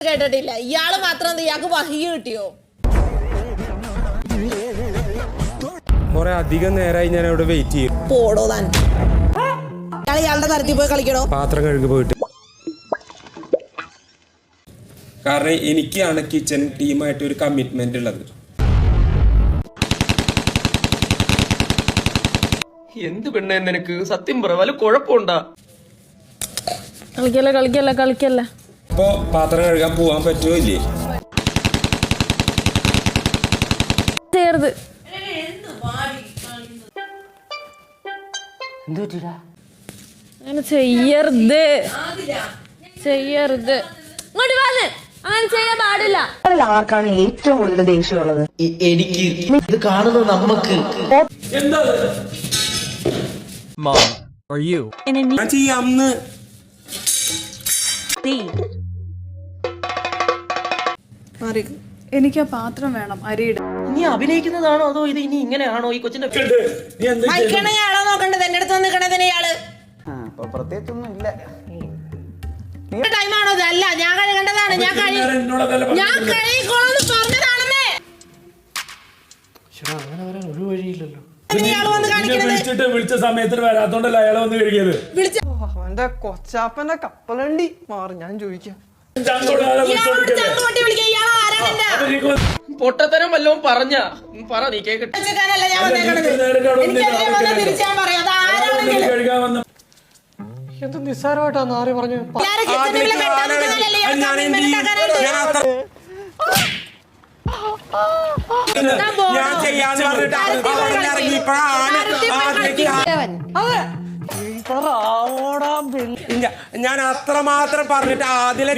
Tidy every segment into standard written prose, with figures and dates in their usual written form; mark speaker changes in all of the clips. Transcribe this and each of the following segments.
Speaker 1: കേട്ടിട്ടില്ല. ഇയാള് മാത്രം ഇയാൾക്ക് വഹി കിട്ടിയോ?
Speaker 2: കുറെ അധികം നേരമായി ഞാൻ അവിടെ വെയിറ്റ് ചെയ്യും.
Speaker 1: പോടോ താൻ. ഇയാളുടെ തരത്തിൽ പോയി കളിക്കണോ?
Speaker 2: പാത്രം കഴുകി പോയിട്ട്. കാരണം എനിക്കാണ് കിച്ചൺ ടീമായിട്ട് ഒരു കമ്മിറ്റ്മെന്റ് ഉള്ളത്.
Speaker 3: എന്ത് പെണ്ണ നിനക്ക് സത്യം പറ വല്ല കുഴപ്പമുണ്ടാ?
Speaker 4: കളിക്കല്ലേ
Speaker 2: അപ്പോ പാത്രം കഴുകാൻ പോവാൻ പറ്റുമോ ഇല്ലേ?
Speaker 4: ചെയ്യരുത്. അങ്ങനെ ചെയ്യരുത്. ഇങ്ങോട്ട് വന്ന് അങ്ങനെ ചെയ്യാൻ പാടില്ല.
Speaker 5: ആർക്കാണ് ഏറ്റവും കൂടുതൽ ദേഷ്യമുള്ളത്?
Speaker 3: എനിക്ക് ഇത് കാണുന്നത് നമ്മക്ക്
Speaker 2: ഞാൻ ചെയ്യാന്ന്.
Speaker 6: എനിക്ക് ആ പാത്രം വേണം അരിയുടെ.
Speaker 3: നീ അഭിനയിക്കുന്നതാണോ അതോ ഇത് ഇനി ഇങ്ങനെയാണോ ഈ കൊച്ചിന്റെ
Speaker 1: മൈക്കണയാളോ നോക്കണ്ടത്? എന്റെ അടുത്ത് വന്നിക്കണതിന് ഇയാള്
Speaker 7: പ്രത്യേകിച്ചൊന്നും ഇല്ല.
Speaker 1: ടൈമാണോ? അല്ല, ഞാൻ കഴുകേണ്ടതാണ്. ഞാൻ കഴുകിക്കോളാന്ന് പറഞ്ഞതാണെന്നേ.
Speaker 3: അങ്ങനെ വരാൻ ഒരു വഴിയില്ലല്ലോ.
Speaker 8: വിളിച്ച സമയത്തിന് വരാത്തോണ്ടല്ല അയാളെ വന്ന് കഴുകിയത്.
Speaker 7: അവന്റെ കൊച്ചാപ്പന്റെ കപ്പലണ്ടി മാറി. ഞാൻ ചോദിക്കാം,
Speaker 3: പൊട്ടത്തരം വല്ലതും പറഞ്ഞ പറ, നീ കേക്കട്ടെ.
Speaker 7: എന്ത് നിസ്സാരമായിട്ടാന്ന് ആര് പറഞ്ഞു?
Speaker 2: ഞാൻ ചെയ്യാന്ന് പറഞ്ഞിട്ട് ഞാൻ അത്രമാത്രം പറഞ്ഞിട്ട് ആദ്യം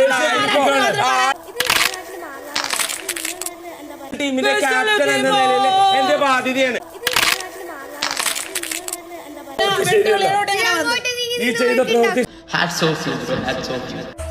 Speaker 2: ടീമിന്റെ ക്യാപ്റ്റൻ എന്ന നിലയിൽ എന്റെ ബാധ്യതയാണ്.
Speaker 8: ഈ ചെയ്ത പ്രവൃത്തി
Speaker 3: hats off you, hats off U.